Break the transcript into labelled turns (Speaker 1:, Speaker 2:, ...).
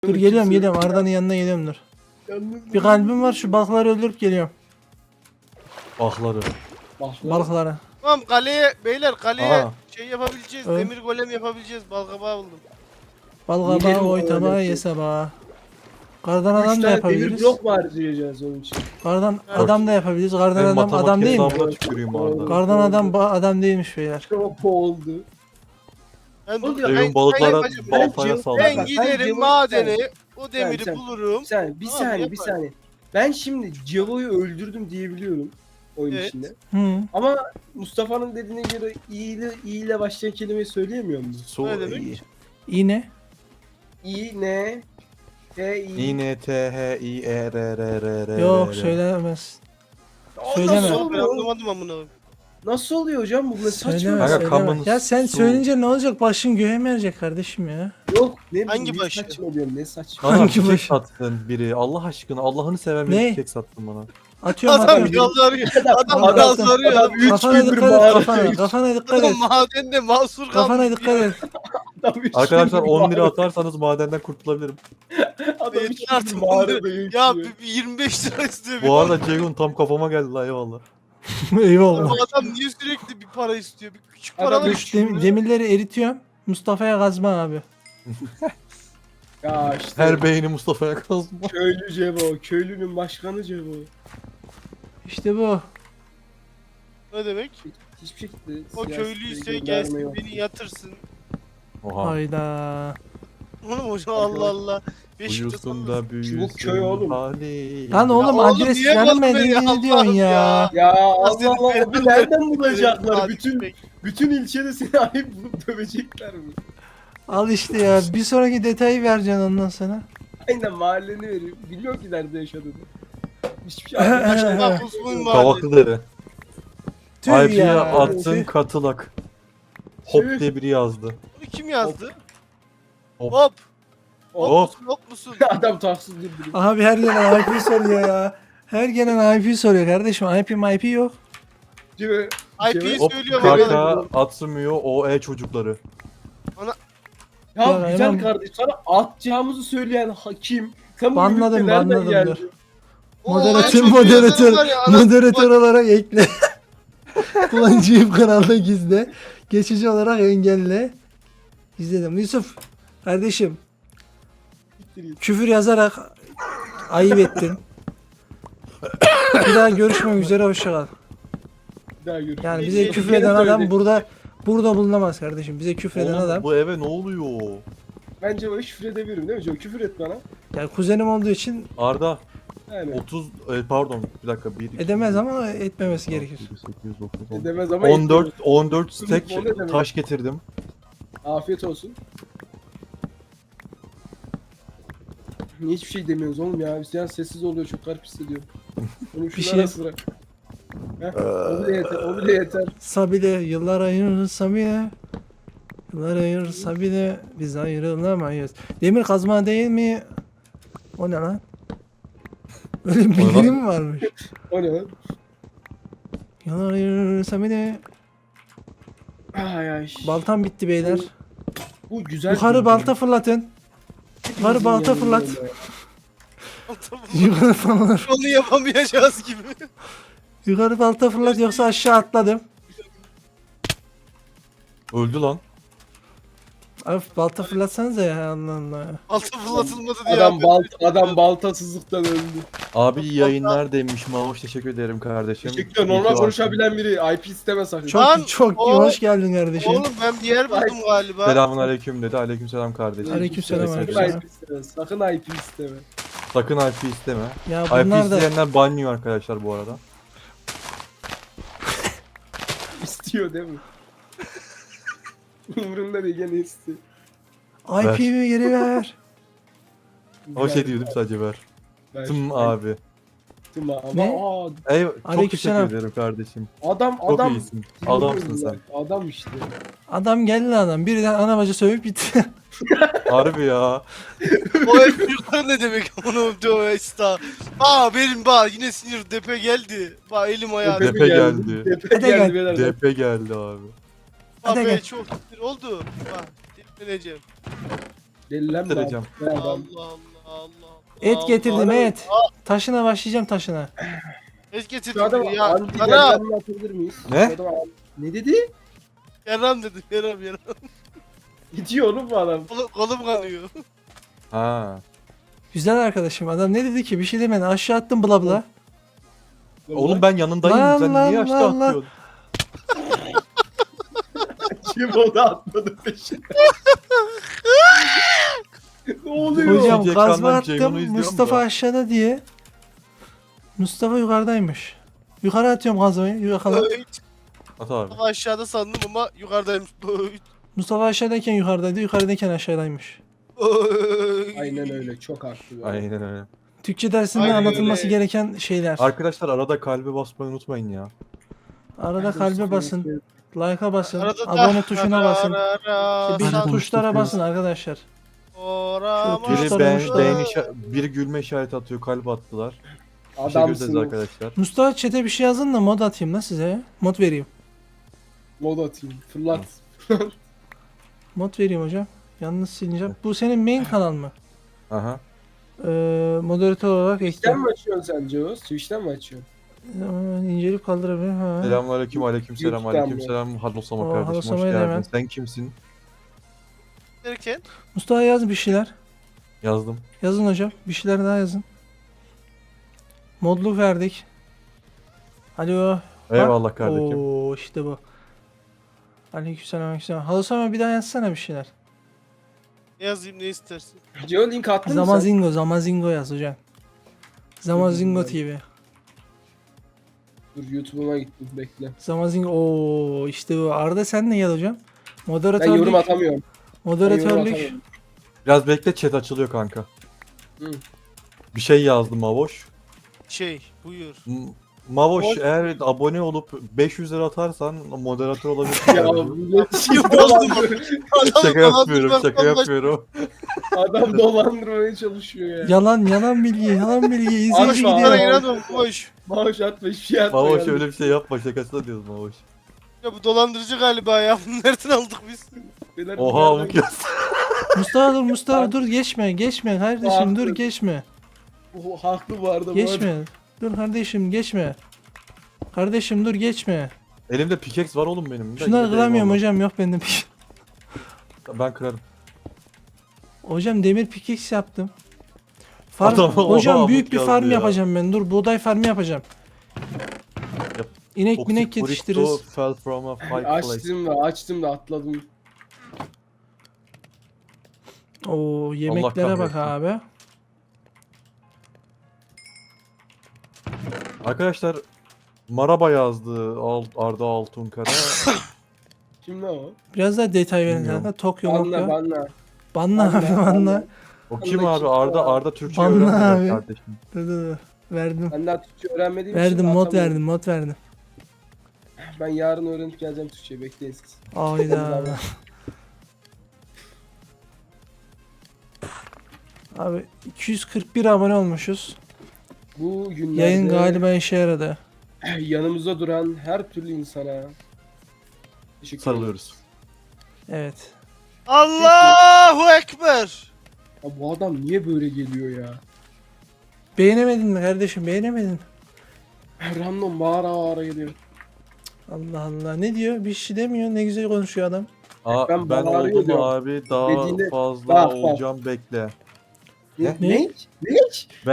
Speaker 1: Dur geliyorum Arda'nın yanına geliyorum dur. Bir kalbim var şu balıkları öldürüp geliyorum.
Speaker 2: Ahları.
Speaker 1: Balıkları.
Speaker 3: Tamam kaleye beyler kaleye
Speaker 2: Aa.
Speaker 3: şey yapabileceğiz.
Speaker 1: Evet.
Speaker 3: Demir golem yapabileceğiz. Balkabağı buldum.
Speaker 1: Balığa
Speaker 4: Yiyelim
Speaker 1: bağı
Speaker 4: o
Speaker 1: oy tabağı
Speaker 4: öyle.
Speaker 1: yese bağı. Kardan
Speaker 4: 3
Speaker 1: adam da
Speaker 4: tane demir
Speaker 1: yapabiliriz.
Speaker 4: blok mu harcayacağız onun için?
Speaker 1: Kardan adam da yapabiliriz. Kardan
Speaker 2: Ben
Speaker 1: adam
Speaker 2: matematik
Speaker 1: adam değil mi?
Speaker 2: hesabına tüküreyim Arda.
Speaker 1: Kardan adam adam değilmiş beyler.
Speaker 4: Çok oldu.
Speaker 3: Ben,
Speaker 4: Oluyor.
Speaker 2: Evin balıklara
Speaker 3: yapacağım.
Speaker 2: baltaya
Speaker 4: Ben-
Speaker 2: saldırdı.
Speaker 3: Ben
Speaker 4: Bak,
Speaker 3: giderim
Speaker 4: Cevo-
Speaker 3: madene o demiri
Speaker 4: sen-
Speaker 3: bulurum.
Speaker 4: Bir
Speaker 3: Tamam,
Speaker 4: saniye bir
Speaker 3: yaparım.
Speaker 4: saniye. Ben şimdi Cevo'yu öldürdüm diyebiliyorum oyun
Speaker 3: Evet.
Speaker 4: içinde.
Speaker 1: Hı.
Speaker 4: Ama Mustafa'nın dediğine göre iyi ile başlayan kelimeyi söyleyemiyor musun?
Speaker 2: Su
Speaker 3: Ne demek?
Speaker 2: iyi.
Speaker 1: İğne.
Speaker 4: İ, N, T, I.
Speaker 2: İ N T H I E R R R R.
Speaker 1: Yok söylemez.
Speaker 4: Aa,
Speaker 1: söyleme.
Speaker 4: Nasıl
Speaker 3: Ben
Speaker 4: oluyor?
Speaker 3: anlamadım amına.
Speaker 4: Nasıl oluyor hocam bu ne saçma?
Speaker 1: Söyleme
Speaker 2: Kanka,
Speaker 1: söyleme.
Speaker 2: kamunuz
Speaker 1: Ya sen
Speaker 2: su.
Speaker 1: söyleyince ne olacak? Başın göğe mi erecek kardeşim ya?
Speaker 4: Yok ne
Speaker 3: Hangi
Speaker 4: ne
Speaker 3: başı?
Speaker 4: saçma diyorum ne saçma.
Speaker 2: Bana
Speaker 1: Hangi
Speaker 2: çiçek
Speaker 1: başı?
Speaker 2: sattın biri. Allah aşkına Allah'ını seven bir
Speaker 1: Ne?
Speaker 2: çiçek sattın bana.
Speaker 1: Atıyorum
Speaker 3: Adam
Speaker 1: atıyorum.
Speaker 3: yalvarıyor. Adam
Speaker 1: Adam-
Speaker 3: yalvarıyor.
Speaker 4: Adam 3
Speaker 1: Kafana
Speaker 4: gündür
Speaker 1: dikkat et
Speaker 4: bağırıyor.
Speaker 1: kafana. Kafana dikkat et.
Speaker 3: Adam madende mahsur kalmış.
Speaker 1: Kafana dikkat et.
Speaker 4: Adam üç
Speaker 2: Arkadaşlar
Speaker 4: gündür
Speaker 2: 10 lira
Speaker 4: bağırıyor.
Speaker 2: atarsanız madenden kurtulabilirim.
Speaker 4: Adam
Speaker 3: Yeter
Speaker 4: 3
Speaker 3: artık
Speaker 4: gündür
Speaker 3: 10 lira.
Speaker 4: bağırıyor.
Speaker 3: Ya bir 25 lira istiyor.
Speaker 2: Bu arada Ceyhun tam kafama geldi la eyvallah.
Speaker 1: Eyvallah.
Speaker 3: Bu adam niye sürekli bir para istiyor? Bir küçük
Speaker 4: Adam
Speaker 3: paralar
Speaker 4: üç
Speaker 3: istiyor.
Speaker 1: Demirleri eritiyorum. Mustafa'ya kazma abi.
Speaker 4: Ya işte
Speaker 2: Her beyni Mustafa'ya kazma.
Speaker 4: köylü Cevo, köylünün başkanı Cevo.
Speaker 1: İşte bu.
Speaker 3: Ne demek?
Speaker 4: Hiçbir şekilde
Speaker 3: O
Speaker 4: siyasi
Speaker 3: köylüyse
Speaker 4: bir gönderme
Speaker 3: gelsin
Speaker 4: yok.
Speaker 3: beni yatırsın.
Speaker 2: Oha.
Speaker 1: Hayda.
Speaker 3: Oğlum hocam Allah Allah. Beşiktaş
Speaker 2: Uyusun da büyüsün.
Speaker 4: köy oğlum.
Speaker 2: hali.
Speaker 1: Lan oğlum
Speaker 3: oğlum,
Speaker 1: adres
Speaker 3: niye
Speaker 1: vermedin
Speaker 3: bozma ya?
Speaker 1: ne diyorsun ya?
Speaker 3: Allah'ım
Speaker 4: Ya Allah
Speaker 3: senin
Speaker 4: Allah
Speaker 3: belanı
Speaker 4: abi nereden
Speaker 3: versin.
Speaker 4: bulacaklar?
Speaker 3: Hadi
Speaker 4: Bütün
Speaker 3: peki.
Speaker 4: bütün ilçede seni ayıp bulup dövecekler mi?
Speaker 1: Al işte ya. Bir sonraki detayı vereceksin ondan sonra.
Speaker 4: Aynen mahalleni veriyor. Bilmiyorum ki nerede yaşadığını. Hiçbir şey
Speaker 3: Başına kusmun var.
Speaker 2: Kavaklı dere.
Speaker 1: Tüh
Speaker 2: IP'ye
Speaker 1: ya.
Speaker 2: attın
Speaker 1: Tüh.
Speaker 2: katılak. Hop
Speaker 4: Tüh.
Speaker 2: diye biri yazdı.
Speaker 3: Bunu kim yazdı?
Speaker 2: Hop.
Speaker 3: Hop.
Speaker 2: Hop.
Speaker 3: Hop musun?
Speaker 4: Adam taksız durduruyor.
Speaker 1: Abi her gelen IP soruyor ya. Her gelen IP soruyor kardeşim. IP yok.
Speaker 4: Cevo.
Speaker 3: IP'yi
Speaker 2: Hop.
Speaker 3: söylüyor
Speaker 2: Kaka atmıyor OE çocukları.
Speaker 4: Ya
Speaker 1: Ya
Speaker 4: güzel
Speaker 1: hemen-
Speaker 4: kardeş sana atacağımızı söyleyen hakim. Sen bu
Speaker 1: Banladım,
Speaker 4: ülke nereden
Speaker 1: banladım,
Speaker 4: geldin?
Speaker 1: dur.
Speaker 3: O
Speaker 1: Moderatör
Speaker 3: çok
Speaker 1: moderatör
Speaker 3: yazarlar ya, anasını
Speaker 1: moderatör
Speaker 3: bak-
Speaker 1: olarak ekle. Kullanıcıyı kanalda gizle. Geçici olarak engelle. İzledim. Yusuf kardeşim küfür yazarak ayıp ettin. Bir daha görüşmek üzere hoşça kal.
Speaker 4: Bir daha görüşürüz.
Speaker 1: Yani
Speaker 3: Bir
Speaker 1: bize
Speaker 3: şey-
Speaker 1: küfür
Speaker 4: Yine
Speaker 1: eden adam
Speaker 4: söyle.
Speaker 1: burada bulunamaz kardeşim. Bize küfür eden
Speaker 2: Oğlum,
Speaker 1: adam.
Speaker 2: bu eve ne oluyor?
Speaker 4: Bence o küfür edebilirim değil mi Cevo? Küfür et bana.
Speaker 1: Yani kuzenim olduğu için
Speaker 2: Arda
Speaker 4: Yani
Speaker 2: 30 pardon bir dakika 1
Speaker 1: edemez ama etmemesi gerekir.
Speaker 2: 8 9 10.
Speaker 4: edemez ama
Speaker 2: 14 stack
Speaker 4: O ne demek?
Speaker 2: taş getirdim.
Speaker 4: Afiyet olsun. Niye hiçbir şey demiyoruz oğlum ya? Hüseyin sessiz oluyor çok garip hissediyorum. Onu
Speaker 1: Bir
Speaker 4: şunu
Speaker 1: şey-
Speaker 4: ara sıra. Heh, o bile yeter, o bile yeter.
Speaker 1: Sabile yıllar ayırır Sabile. Yıllar ayırır Sabile. Biz ayrılamayız. Demir kazma değil mi? O ne lan? Öyle bir
Speaker 2: O ne lan?
Speaker 1: bildirim mi varmış?
Speaker 4: O ne lan?
Speaker 1: Yıllar ayırır Sabile.
Speaker 4: Ay ay.
Speaker 1: Baltam bitti beyler.
Speaker 4: Bu güzel.
Speaker 1: Yukarı
Speaker 4: bir
Speaker 1: balta fırlatın. Yukarı balta
Speaker 4: yani
Speaker 1: fırlat.
Speaker 4: böyle.
Speaker 1: Yukarı fırlat.
Speaker 3: Onu yapamayacağız gibi.
Speaker 1: Yukarı balta fırlat yoksa aşağı atladım.
Speaker 2: Öldü lan.
Speaker 1: Abi balta fırlatsanıza ya Allah Allah.
Speaker 3: Altı fırlatılmadı diye.
Speaker 4: Adam baltasızlıktan öldü.
Speaker 2: Abi iyi yayınlar demiş Mamuş teşekkür ederim kardeşim.
Speaker 4: Teşekkür ederim.
Speaker 2: İyi
Speaker 4: Normal
Speaker 2: ki varsın.
Speaker 4: konuşabilen biri. IP isteme sakın.
Speaker 1: Çok
Speaker 3: Lan,
Speaker 1: çok
Speaker 3: o-
Speaker 1: hoş geldin kardeşim.
Speaker 3: Oğlum ben bir yer buldum galiba.
Speaker 2: Selamun aleyküm dedi. Aleyküm selam kardeşim.
Speaker 1: Aleykümselam,
Speaker 4: Sakın
Speaker 1: aleykümselam.
Speaker 4: IP isteme. Sakın IP isteme.
Speaker 2: Sakın IP isteme.
Speaker 1: Ya
Speaker 2: IP
Speaker 1: bunlar da
Speaker 2: isteyenler banlıyor arkadaşlar bu arada.
Speaker 4: İstiyor değil mi? Umurumda değil gene istiyor.
Speaker 1: IP'mi geri ver.
Speaker 2: O şey diyordum sadece ver. Tım abi.
Speaker 4: Tım abi.
Speaker 1: Ne?
Speaker 4: Aa,
Speaker 2: Ey çok
Speaker 1: Aleykümselam.
Speaker 2: teşekkür ederim kardeşim.
Speaker 4: adam
Speaker 2: Çok
Speaker 4: adam.
Speaker 2: iyisin. Adamsın sen.
Speaker 4: Adam işte.
Speaker 1: Adam geldi adam. Birden ana bacı sövüp gitti.
Speaker 2: Harbi ya.
Speaker 3: O el büyükler ne demek? Onu diyor esta. Benim yine sinir depe geldi. Elim ayağım.
Speaker 4: Tepe
Speaker 2: Depe geldi.
Speaker 4: Tepe
Speaker 1: Hadi
Speaker 4: geldi
Speaker 1: gel.
Speaker 4: beyler.
Speaker 2: DP geldi abi.
Speaker 1: Hadi gel.
Speaker 3: Çok sinir oldu. Delireceğim.
Speaker 4: Delilenme abi.
Speaker 2: Bitireceğim.
Speaker 4: Be adam.
Speaker 3: Allah Allah Allah.
Speaker 1: Et
Speaker 3: Allah.
Speaker 1: getirdim et. Taşına başlayacağım taşına.
Speaker 3: Et
Speaker 4: Şu
Speaker 3: getirdim
Speaker 4: adam
Speaker 3: ya.
Speaker 4: anti
Speaker 3: Yaram.
Speaker 4: delilenme atabilir miyiz?
Speaker 2: Ne?
Speaker 4: Şu adam- Ne dedi?
Speaker 3: Yaram dedim yaram.
Speaker 4: Gidiyor oğlum bu adam.
Speaker 3: Kolum kanıyor.
Speaker 2: Ha.
Speaker 1: Güzel arkadaşım. Adam ne dedi ki? Bir şey demedi. Aşağı attım bla bla.
Speaker 2: Oğlum ben yanındayım.
Speaker 1: Lan,
Speaker 2: Sen
Speaker 1: lan,
Speaker 2: niye
Speaker 1: lan,
Speaker 2: aşağı
Speaker 1: lan.
Speaker 2: atıyorsun?
Speaker 4: Kim o da atmadı peşine. Ne oluyor?
Speaker 1: Hocam
Speaker 2: Yiyecek
Speaker 1: gazma
Speaker 2: kandan Ceyhun'u
Speaker 1: attım.
Speaker 2: izliyorum
Speaker 1: Mustafa
Speaker 2: da.
Speaker 1: aşağıda diye. Mustafa yukarıdaymış. Yukarı atıyorum gazmayı. Yakala.
Speaker 2: At abi.
Speaker 3: Ama aşağıda sandım ama yukarıdayım.
Speaker 1: Mustafa aşağıdayken yukarıdaydı. Yukarıdayken aşağıdaymış.
Speaker 4: Aynen öyle. Çok haklı. bu adam.
Speaker 2: Aynen öyle.
Speaker 1: Türkçe dersinde
Speaker 3: Aynen
Speaker 1: anlatılması
Speaker 3: öyle.
Speaker 1: gereken şeyler.
Speaker 2: Arkadaşlar arada kalbe basmayı unutmayın ya.
Speaker 1: Arada kalbe basın. Like'a basın.
Speaker 3: Arada da
Speaker 1: Abone tuşuna basın. Bir
Speaker 2: Arada
Speaker 1: tuşlara
Speaker 2: tutuyor.
Speaker 1: basın arkadaşlar.
Speaker 3: Orama
Speaker 1: Biri
Speaker 2: Biri,
Speaker 1: Tuşlara
Speaker 2: biri gülme işareti atıyor, kalp attılar. Teşekkür ederiz
Speaker 4: Adamsın.
Speaker 2: arkadaşlar.
Speaker 1: Mustafa chat'e bir şey yazın da mod atayım da size. Mod vereyim.
Speaker 4: Mod atayım. Fırlat.
Speaker 1: Mod vereyim hocam. Yalnız sileceğim. Bu senin main kanal mı?
Speaker 2: Aha.
Speaker 1: Moderatör olarak
Speaker 4: Twitch'ten
Speaker 1: ekle.
Speaker 4: mi açıyorsun sen Cevoz? Twitch'ten mi açıyorsun?
Speaker 1: İnceleyip kaldırabilirim. Ha.
Speaker 2: Selamünaleyküm, aleykümselam,
Speaker 4: YouTube'dan mı?
Speaker 2: aleykümselam. Hadlosama
Speaker 1: Oo,
Speaker 2: kardeşim, hoş
Speaker 1: Hadlosama
Speaker 2: geldin.
Speaker 1: hemen.
Speaker 2: Sen kimsin?
Speaker 3: derken
Speaker 1: Mustafa yaz bir şeyler.
Speaker 2: Yazdım.
Speaker 1: Yazın hocam. Bir şeyler daha yazın. Modluk verdik. Alo.
Speaker 2: Eyvallah kardeşim.
Speaker 1: Oo işte bu. Aleykümselam aleykümselam. Hadosama bir daha yazsana bir şeyler.
Speaker 3: ne yazayım ne istersin?
Speaker 4: Cevo link attın mı sen?
Speaker 1: Zamazingo, Zamazingo yaz hocam. Zamazingo TV.
Speaker 4: Dur YouTube'uma gittim bekle.
Speaker 1: Zamazingo. Oo işte bu. Arda sen de gel hocam.
Speaker 4: Ben
Speaker 1: Moderatörlük.
Speaker 4: yorum atamıyorum. Ben yorum
Speaker 1: Moderatörlük.
Speaker 4: atamıyorum.
Speaker 2: Biraz bekle, chat açılıyor kanka.
Speaker 4: Hı.
Speaker 2: Bir şey yazdım Mavoş.
Speaker 3: Buyur.
Speaker 2: Mavoş
Speaker 4: Ol-
Speaker 2: eğer abone olup 500 lira atarsan moderatör olabilirsin.
Speaker 4: Ya
Speaker 2: kardeşim.
Speaker 4: bu ne şey
Speaker 2: Şaka yapmıyorum, şaka yapıyorum.
Speaker 4: Adam dolandırmaya çalışıyor ya.
Speaker 1: Yalan bilgi, yalan bilgi. İzleyici
Speaker 4: Konuşma,
Speaker 1: gidiyor.
Speaker 3: Bana
Speaker 4: Tamam.
Speaker 3: inanmam boş.
Speaker 4: Maaş atma hiçbir şey atma.
Speaker 2: Mavoş
Speaker 4: yani.
Speaker 2: öyle bir şey yapma, şakasına diyoruz Mavoş.
Speaker 3: Ya bu dolandırıcı galiba ya. Bunu nereden aldık biz?
Speaker 4: Beyler,
Speaker 2: Oha
Speaker 4: bir
Speaker 2: amık
Speaker 4: yerden-
Speaker 2: yaz.
Speaker 1: Mustafa dur geçme kardeşim dur
Speaker 4: Haklı.
Speaker 1: geçme.
Speaker 4: Bu haklı bu arada. bu arada.
Speaker 1: Geçme. Dur kardeşim geçme. Kardeşim dur geçme.
Speaker 2: Elimde pickaxe var oğlum benim.
Speaker 1: Şunları kıramıyorum
Speaker 2: Eyvallah.
Speaker 1: hocam yok bende.
Speaker 2: Ben kırarım.
Speaker 1: Hocam demir pickaxe yaptım. Farm,
Speaker 2: Adam,
Speaker 1: hocam
Speaker 2: oha,
Speaker 1: büyük
Speaker 2: amık
Speaker 1: bir
Speaker 2: yazdı
Speaker 1: farm
Speaker 2: ya.
Speaker 1: yapacağım ben. Dur buğday farmı yapacağım.
Speaker 2: Yap.
Speaker 1: İnek
Speaker 2: Toxic
Speaker 1: minek
Speaker 2: burrito
Speaker 1: yetiştiririz.
Speaker 2: fell from a high place.
Speaker 4: Açtım da atladım.
Speaker 1: Oo yemeklere bak
Speaker 2: kahretsin.
Speaker 1: abi.
Speaker 2: Arkadaşlar Maraba yazdı Arda Altunkara.
Speaker 4: Kim lan o?
Speaker 1: Biraz daha detay verin
Speaker 2: Bilmiyorum.
Speaker 1: kanka. Tokyo
Speaker 4: Banla
Speaker 1: Mokyo.
Speaker 4: banla.
Speaker 1: Banla abi
Speaker 4: Banla,
Speaker 1: banla.
Speaker 4: banla.
Speaker 2: O kim
Speaker 4: Allah
Speaker 2: abi?
Speaker 4: kim ya?
Speaker 2: Arda Türkçe
Speaker 1: Banla
Speaker 2: öğrenmedi
Speaker 1: abi.
Speaker 2: kardeşim.
Speaker 1: Dur. Verdim.
Speaker 4: Ben daha Türkçe öğrenmediğim için
Speaker 1: Verdim mod
Speaker 4: atamıyorum.
Speaker 1: mod verdim.
Speaker 4: Ben yarın öğrenip geleceğim Türkçeyi bekleyin siz.
Speaker 1: Ayda. Abi 241 abone olmuşuz.
Speaker 4: Bu günlerde
Speaker 1: Yayın galiba işe yaradı.
Speaker 4: yanımızda duran her türlü insana teşekkür ederim.
Speaker 2: Sarılıyoruz.
Speaker 1: Evet.
Speaker 3: Allahu Ekber.
Speaker 4: Ya bu adam niye böyle geliyor ya?
Speaker 1: Beğenemedin mi kardeşim? Beğenemedin mi?
Speaker 4: Random bağıra geliyor.
Speaker 1: Allah Allah. Ne diyor? Bir şey demiyor. Ne güzel konuşuyor adam.
Speaker 4: Ben
Speaker 2: Ben
Speaker 4: bağırıyor
Speaker 2: oldum
Speaker 4: diyorum.
Speaker 2: abi daha
Speaker 4: Dediğinde-
Speaker 2: fazla
Speaker 4: Bak, bak.
Speaker 2: olacağım bekle.
Speaker 4: Ne?
Speaker 1: Ne?
Speaker 4: Ne?